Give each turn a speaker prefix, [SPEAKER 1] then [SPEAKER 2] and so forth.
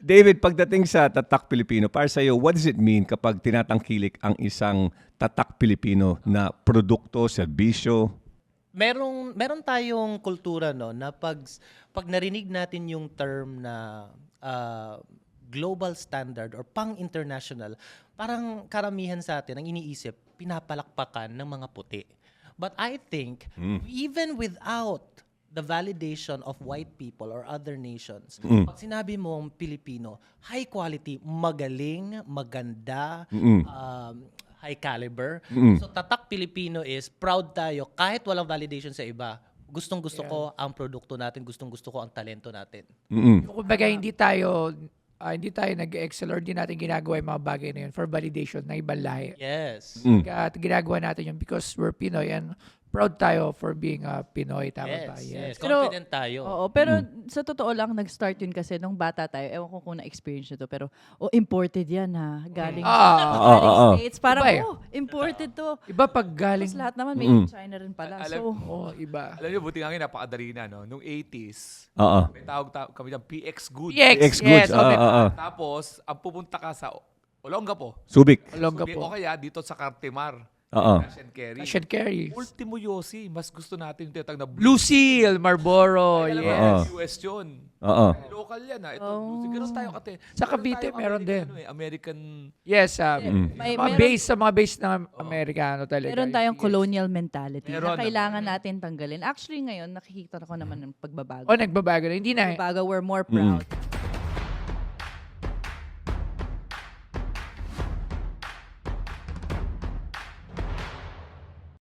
[SPEAKER 1] David, pagdating sa Tatak Pilipino, para sa iyo, what does it mean kapag tinatangkilik ang isang Tatak Pilipino na produkto, serbisyo?
[SPEAKER 2] Meron tayong kultura no na pag narinig natin yung term na global standard or pang-international, parang karamihan sa atin ang iniisip pinapalakpakan ng mga puti. But I think even without the validation of white people or other nations, pag sinabi mong Pilipino, high quality, magaling, maganda, high caliber. So Tatak Pilipino is proud tayo kahit walang validation sa iba. Gustong-gusto ko ang produkto natin, gustong-gusto ko ang talento natin.
[SPEAKER 3] Kumbaga, hindi tayo nag-excel or hindi natin ginagawa yung mga bagay na yun for validation ng ibang lahi.
[SPEAKER 2] Yes.
[SPEAKER 3] At ginagawa natin yun because we're Pinoy and proud tayo for being a Pinoy. Tama ba?
[SPEAKER 2] Yes.
[SPEAKER 4] Pero-
[SPEAKER 2] Confident tayo.
[SPEAKER 4] Oo, pero sa totoo lang, nag-start yun kasi nung bata tayo. Ewan ko kung na-experience nyo to, pero imported yan ha. Galing States. Parang,
[SPEAKER 3] Iba
[SPEAKER 4] imported to.
[SPEAKER 3] Iba pag galing.
[SPEAKER 4] Tapos lahat naman made in China rin pala.
[SPEAKER 5] Alam-
[SPEAKER 4] So,
[SPEAKER 3] Iba.
[SPEAKER 5] Alam niyo, buti nga ngayon, napakadali na, no? Nung 80s,
[SPEAKER 1] Oo.
[SPEAKER 5] may tawag kami ng PX Goods.
[SPEAKER 1] PX Goods.
[SPEAKER 5] Tapos, ang pupunta ka sa Olongapo.
[SPEAKER 1] Subic.
[SPEAKER 3] Olongapo.
[SPEAKER 5] O kaya dito sa Cartimar.
[SPEAKER 1] Oo.
[SPEAKER 5] Cash and carry.
[SPEAKER 3] Cash and carry.
[SPEAKER 5] Ultimo Yossi, mas gusto natin yung tinatawag na
[SPEAKER 3] Blue Seal, Marlboro.
[SPEAKER 5] Alam mo,
[SPEAKER 3] Yes.
[SPEAKER 5] US yun.
[SPEAKER 1] Oo.
[SPEAKER 5] Local yan, ha? Ito, Blue Seal. Ganun tayo kate.
[SPEAKER 3] Sa Cavite, meron din.
[SPEAKER 5] American.
[SPEAKER 3] Yes.
[SPEAKER 4] Meron-
[SPEAKER 3] Sa mga base ng Amerikano talaga.
[SPEAKER 4] meron tayong colonial mentality
[SPEAKER 5] Meron
[SPEAKER 4] na kailangan natin tanggalin. Actually, ngayon, nakikita ko naman ng pagbabago.
[SPEAKER 3] O, nagbabago na. Hindi na.
[SPEAKER 4] Pagbabago, we're more proud